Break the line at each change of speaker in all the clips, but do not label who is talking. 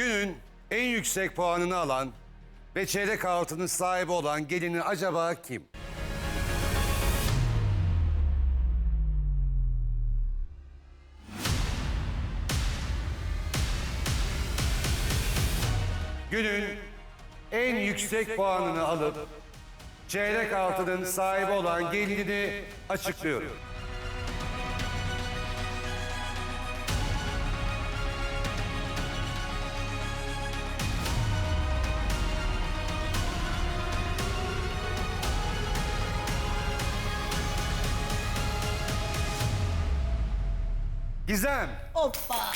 Günün en yüksek puanını alan ve çeyrek altının sahibi olan gelini acaba kim? Günün en yüksek puanını alıp çeyrek altının sahibi olan gelinini açıklıyorum. Gizem.
Hoppa.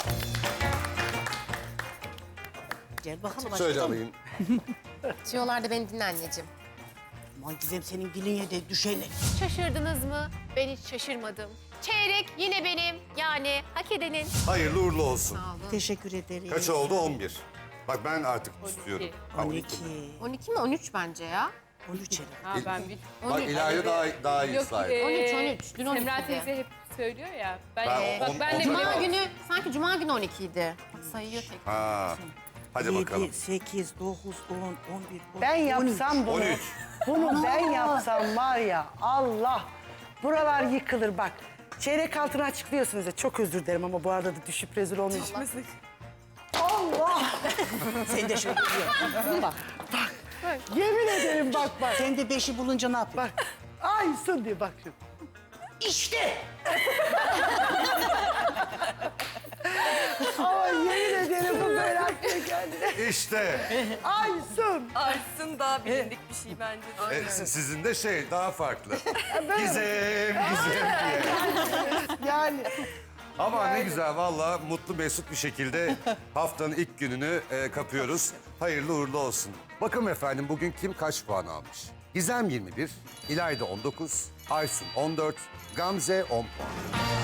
Gel bakalım.
Söyle
aşkım.
alayım.
Diyorlar da beni dinle anneciğim.
Aman Gizem senin diline de düşeni.
Şaşırdınız mı? Ben hiç şaşırmadım. Çeyrek yine benim. Yani hak edenin.
Hayırlı uğurlu olsun.
Teşekkür ederim.
Kaç oldu? 11. Bak ben artık istiyorum. Ha,
12.
12 mi? 13 bence ya.
13 herhalde.
Ha ben bir...
Bak İlahi daha iyi
Yok,
sahip.
13. Dün 12
Semra
idi.
teyze hep söylüyor ya. Ben,
Ben
bak
on-
ben de...
Cuma günü, sanki Cuma günü 12 idi. Sayıyor tek.
Ha. Hadi bakalım.
7, 8, 9, 10, 11, 12,
Ben yapsam bunu,
13.
bunu ben yapsam var ya Allah, buralar yıkılır bak. Çeyrek altını açıklıyorsunuz ya, çok özür dilerim ama bu arada da düşüp rezil olmayayım. Allah!
Sen de şöyle diyor. Bak.
Yemin ederim bak bak.
Sen de 5'i bulunca ne yapıyorsun?
Bak. Aysun diye bak şimdi.
İşte.
Ama yemin ederim bu böyle aklıma geldi.
İşte.
Aysun.
Arsın daha bilindik bir şey bence.
Sizin de daha farklı. Gizem diye.
Yani
Ama ne güzel valla mutlu mesut bir şekilde haftanın ilk gününü kapıyoruz. Hayırlı uğurlu olsun. Bakın efendim bugün kim kaç puan almış? Gizem 21, İlayda 19, Aysun 14, Gamze 10 puan.